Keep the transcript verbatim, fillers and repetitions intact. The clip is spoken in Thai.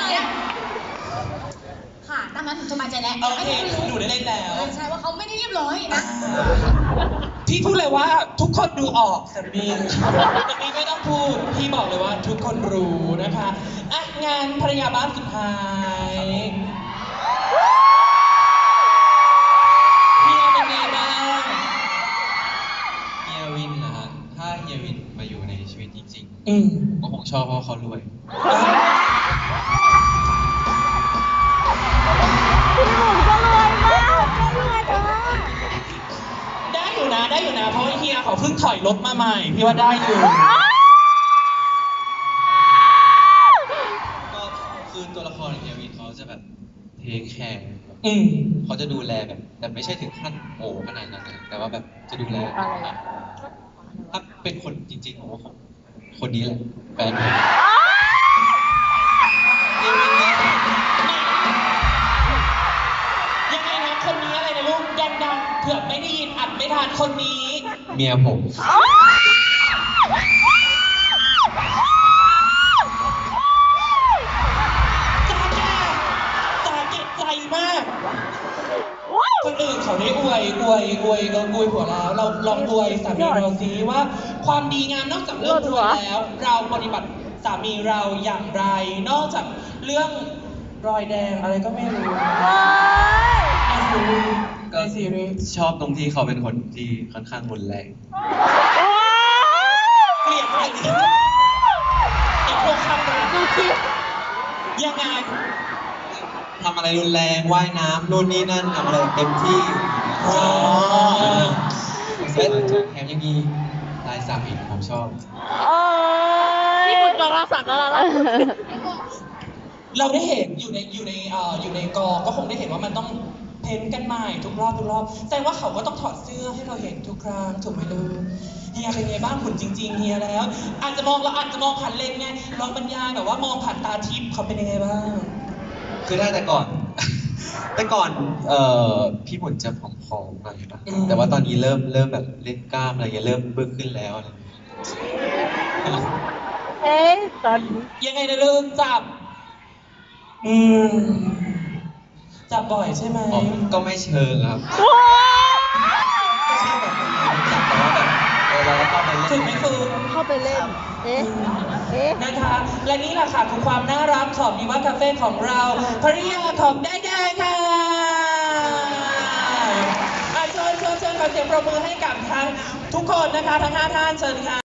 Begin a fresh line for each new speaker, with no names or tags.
เนี่ยค่ะตามนั้นสบายใจแล้ว
โอเคหนูได้เล่นแล้ว
ใช่ว่าเขาไม่ได้เรียบร้อยนะ
พี่พูดเลยว่าทุกคนดูออกสามีสามีไม่ต้องพูดพี่บอกเลยว่าทุกคนรู้นะคะอ่ะงานภรรยาบ้านสุดท้ายเฮียเป็นไงบ้าง
เฮียวินนะฮะถ้าเฮียวินมาอยู่ในชีวิตจริง
อืม
ๆก็คงชอบเพราะเขารวย
พี่หนุ่มก็รวยมากก็รวยแต่ว่า
ได้อยู่นะได้อยู่นะเพราะว่าเฮียเขาเพิ่งถอยรถมาใหม่พี่ว่าได้อยู่
ก็คือตัวละครเฮียวินเขาจะแบบเทคแคร์แบบ
อืม
เขาจะดูแลแบบแต่ไม่ใช่ถึงขั้นโอ้ขนาดนั้นนะแต่ว่าแบบจะดูแลถ้าเป็นคนจริงๆผมว่าคนนี้แหละแฟนผมเฮียวินเนี่ย
ยังไงนะคนนี้อะไรนะลูกดังๆเผื่อไม่ได้ยินอัดไม่ทันคนนี้
เมียผม
ตาแก่ตาเก็บใจมาก คนอื่นเขาได้อวยอวยอวยเอออวยผัวแล้ว เราลองอวยสามีเราสิว่าความดีงามนอกจากเรื่องรวยแล้ว เราปฏิบัติสามีเราอย่างไร นอกจากเรื่องรอยแดงอะไรก็ไม่รู้ในซีรีส์ในซีรีส์
ชอบตรงที่เขาเป็นคนที่ค่อนข้างรุนแรง
เกลียดอะไรดิไอ้พวกคำรักยังไง
ทำอะไรรุนแรงว่ายน้ำนู่นนี่นั่นทำอะไรเต็มที่
อ๋อ
และแถมยังมีลายสักอีกผมชอบ
นี่คุณกำลังสั่งแล้วล่ะ
เราได้เห็นอยู่ในอยู่ในเอ่ออยู่ในกองก็คงได้เห็นว่ามันต้องเพ้นท์กันใหม่ทุกรอบทุกรอบแสดงว่าเขาก็ต้องถอดเสื้อให้เราเห็นทุกครั้งถูกไหมลูกเฮียเป็นไงบ้างหุ่นจริง ๆเฮียแล้ว อาจจะมองเราอาจจะมองผ่านเลนส์ไงลองบรรยายแบบว่ามองผ่านตาทิพย์เขาเป็นยังไงบ้าง
คือถ้าแต่ก่อน แต่ก่อนเอ่อพี่หมุนจะผอมๆหน่อยนะแต่ว่าตอนนี้เริ่มเริ่มแบบเล่นกล้ามอะไรเงี้ยเริ่มเบิ่มขึ้นแล้วอะไรเงี้ย
เอ๊ะตอนนี้
ยังไงนะลูกจับ อืมจับบ่อยใช่ไหม
อ๋อก็ไม่เชิงครับ
ว้าว
ไม่ใช่แบบจับแต่ว่าแบบเออเราก็เข้าไปเล่น
ฝึกไหมฝึก
เข้าไปเล่น เอ๊ะ เอ๊ะ
นะคะและนี่แหละค่ะคือความน่ารักของดีว่าคาเฟ่ของเราภริยาของได้ได้ค่ะอ่ะเชิญเชิญเชิญขอเสียงปรบมือให้กับทั้งทุกคนนะคะทั้งห้าท่านเชิญค่ะ